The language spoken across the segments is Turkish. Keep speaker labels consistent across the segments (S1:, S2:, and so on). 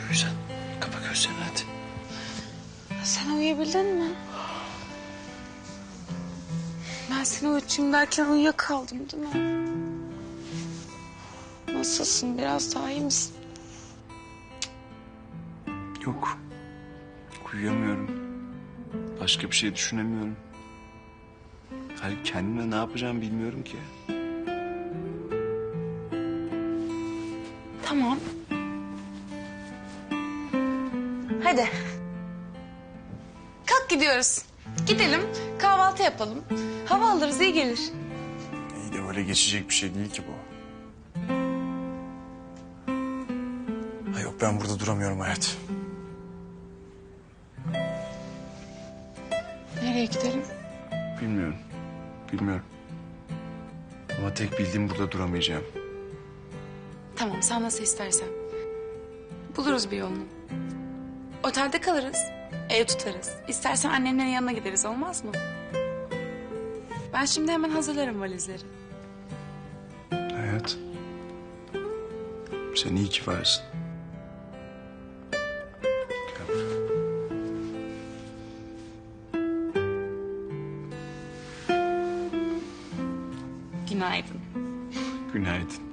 S1: uyu sen. Kapa gözlerini hadi.
S2: Sen uyuyabildin mi? Ben seni uyutayım derken uyuyakaldım değil mi? Nasılsın? Biraz daha iyi misin?
S1: Yok. Uyuyamıyorum. Başka bir şey düşünemiyorum. Hayır, kendime ne yapacağımı bilmiyorum ki.
S2: Tamam. Hadi. Kalk gidiyoruz. Gidelim, kahvaltı yapalım. Hava alırız, iyi gelir.
S1: İyi de öyle geçecek bir şey değil ki bu. Ha yok, ben burada duramıyorum hayat.
S2: Nereye gidelim?
S1: Bilmiyorum. Bilmiyorum. Ama tek bildiğim burada duramayacağım.
S2: Tamam, sen nasıl istersen. Buluruz bir yolunu. Otelde kalırız, ev tutarız. İstersen annemlerin yanına gideriz, olmaz mı? Ben şimdi hemen hazırlarım valizleri.
S1: Hayat. Sen iyi ki varsın. Gel buraya.
S2: Günaydın.
S1: Günaydın.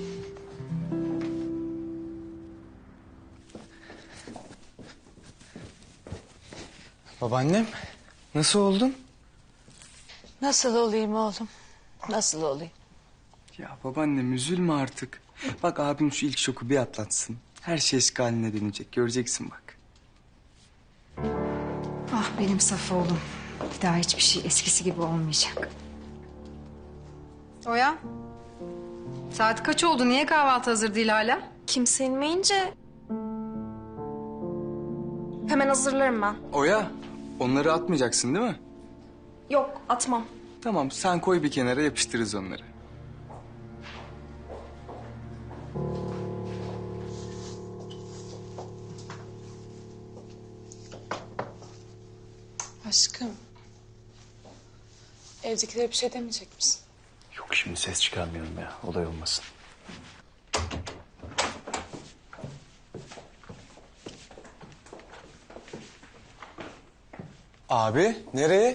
S3: Babaannem, nasıl oldun?
S4: Nasıl olayım oğlum? Nasıl olayım?
S3: Ya babaannem üzülme artık. Bak abim şu ilk şoku bir atlatsın. Her şey eski haline dönecek, göreceksin bak.
S5: Ah benim saf oğlum. Bir daha hiçbir şey eskisi gibi olmayacak. Oya. Saat kaç oldu? Niye kahvaltı hazır değil hala?
S6: Kimse inmeyince hemen hazırlarım ben.
S3: Oya, onları atmayacaksın değil mi?
S6: Yok, atmam.
S3: Tamam, sen koy bir kenara yapıştırırız onları.
S2: Aşkım. Evdekilere bir şey demeyecek misin?
S1: Yok, şimdi ses çıkarmayalım ya. Olay olmasın.
S3: Abi, nereye?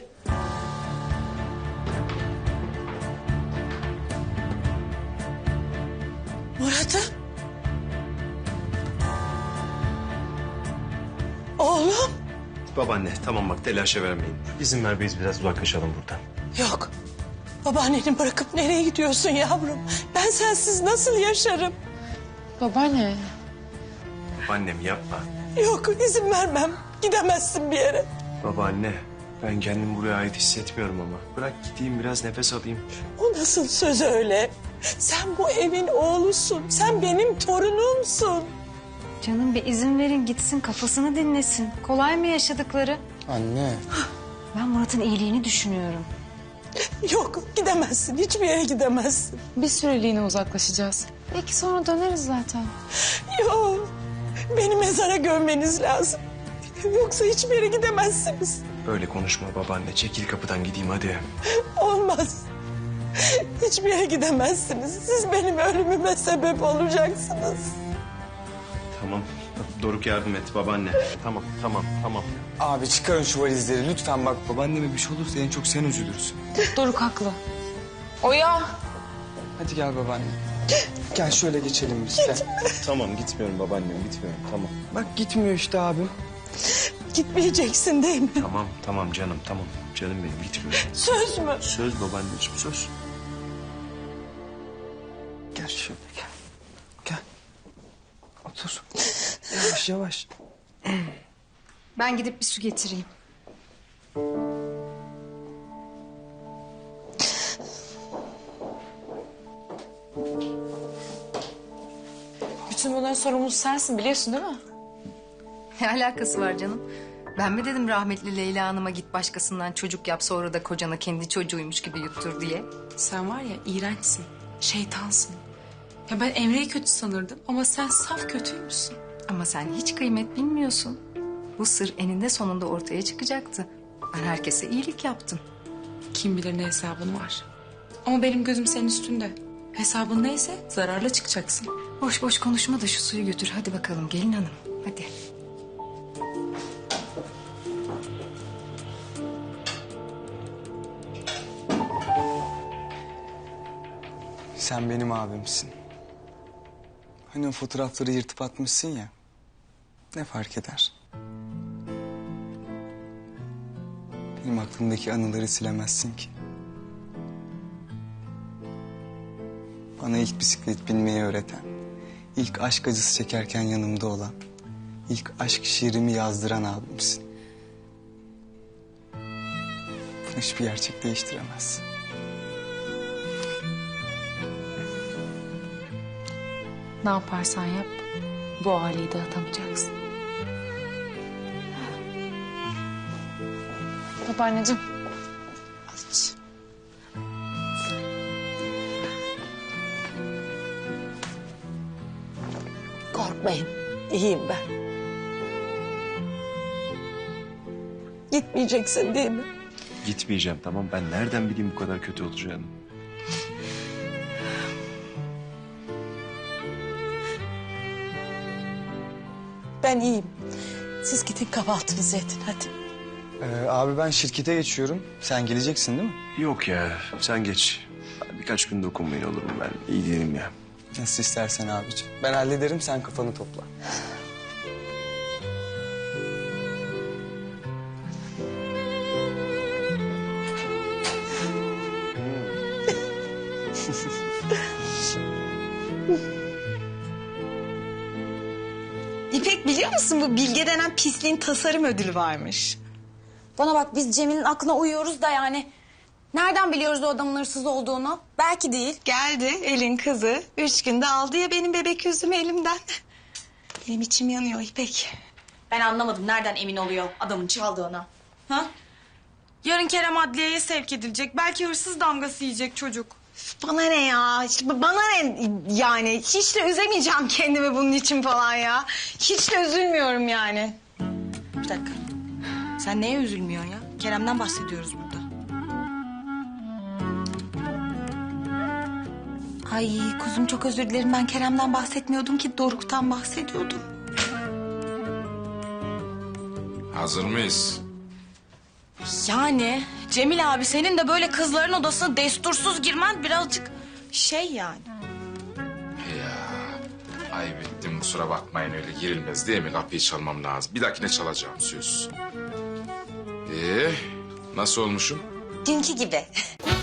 S4: Murat'ım. Oğlum.
S7: Babaanne tamam bak telaşa vermeyin. İzin ver biz biraz uzaklaşalım buradan.
S4: Yok. Babaanneni bırakıp nereye gidiyorsun yavrum? Ben sensiz nasıl yaşarım?
S2: Babaanne.
S7: Babaannem yapma.
S4: Yok, izin vermem. Gidemezsin bir yere.
S7: Babaanne ben kendimi buraya ait hissetmiyorum ama. Bırak gideyim biraz nefes alayım.
S4: O nasıl söz öyle? Sen bu evin oğlusun. Sen benim torunumsun.
S5: Canım bir izin verin gitsin kafasını dinlesin. Kolay mı yaşadıkları?
S3: Anne.
S5: Ben Murat'ın iyiliğini düşünüyorum.
S4: Yok, gidemezsin. Hiçbir yere gidemezsin.
S2: Bir süreliğine uzaklaşacağız. Belki sonra döneriz zaten.
S4: Yok. Beni mezara gömmeniz lazım. Yoksa hiçbir yere gidemezsiniz.
S7: Öyle konuşma babaanne. Çekil kapıdan gideyim hadi.
S4: Olmaz. Hiçbir yere gidemezsiniz. Siz benim ölümüme sebep olacaksınız.
S7: Tamam. Doruk yardım et babaanne. Tamam tamam.
S3: Abi çıkarın şu valizleri lütfen bak. Babaanneme bir şey olursa en çok sen üzülürsün.
S2: Doruk haklı. Oya.
S3: Hadi gel babaanne. Gel şöyle geçelim biz. Gel.
S7: Tamam gitmiyorum babaannem gitmiyorum tamam.
S3: Bak gitmiyor işte abim.
S4: Gitmeyeceksin değil mi?
S7: Tamam canım tamam. Canım benim gitmiyorum.
S4: Söz mü?
S7: Söz babaanneciğim söz.
S3: Gel şöyle gel. Gel. Otur. Yavaş yavaş.
S5: Ben gidip bir su getireyim.
S2: Bütün bunların sorumlusu sensin, biliyorsun değil mi?
S5: Ne alakası var canım? Ben mi dedim rahmetli Leyla Hanım'a git başkasından çocuk yap sonra da kocana kendi çocuğuymuş gibi yuttur diye?
S2: Sen var ya iğrençsin, şeytansın. Ya ben Emre'yi kötü sanırdım ama sen saf kötüymüşsün.
S5: Ama sen hiç kıymet bilmiyorsun. Bu sır eninde sonunda ortaya çıkacaktı. Ben herkese iyilik yaptım.
S2: Kim bilir ne hesabın var. Ama benim gözüm senin üstünde. Hesabın neyse zararla çıkacaksın.
S5: Boş boş konuşma da şu suyu götür. Hadi bakalım gelin hanım. Hadi.
S3: Sen benim abimsin. Hani o fotoğrafları yırtıp atmışsın ya. Ne fark eder? Benim aklımdaki anıları silemezsin ki. Bana ilk bisiklet binmeyi öğreten, ilk aşk acısı çekerken yanımda olan, ilk aşk şiirimi yazdıran abimsin. Bunu hiçbir gerçek değiştiremez.
S2: Ne yaparsan yap, bu aileyi dağıtamayacaksın. Babaanneciğim. Aç.
S4: Korkmayın. İyiyim ben. Gitmeyeceksin değil mi?
S7: Gitmeyeceğim tamam. Ben nereden bileyim bu kadar kötü olacağını?
S4: Ben iyiyim. Siz gidin kahvaltınızı edin hadi.
S3: Abi ben şirkete geçiyorum. Sen geleceksin değil mi?
S7: Yok ya sen geç. Birkaç gün dokunmayın olur mu? Ben iyi değilim ya.
S3: Nasıl istersen abiciğim. Ben hallederim, sen kafanı topla.
S8: İpek biliyor musun bu Bilge denen pisliğin tasarım ödülü varmış.
S6: Bana bak biz Cemil'in aklına uyuyoruz da yani. Nereden biliyoruz o adamın hırsız olduğunu? Belki değil.
S8: Geldi elin kızı 3 günde aldı ya benim bebek yüzümü elimden. Benim içim yanıyor İpek.
S6: Ben anlamadım nereden emin oluyor adamın çaldığına. Ha? Yarın Kerem adliyeye sevk edilecek. Belki hırsız damgası yiyecek çocuk.
S8: Bana ne ya? İşte bana ne yani? Hiç de üzemeyeceğim kendimi bunun için falan ya. Hiç de üzülmüyorum yani.
S6: Bir dakika. Sen neye üzülmüyorsun ya? Kerem'den bahsediyoruz burada.
S8: Ay kuzum çok özür dilerim. Ben Kerem'den bahsetmiyordum ki Doruk'tan bahsediyordum.
S9: Hazır mıyız?
S6: Yani Cemil abi senin de böyle kızların odasına destursuz girmen birazcık şey yani.
S9: Ya ayıp ettim kusura bakmayın öyle girilmez değil mi? Kapıyı çalmam lazım. Bir dahakine çalacağım söz. Nasıl olmuşum?
S8: Dünkü gibi.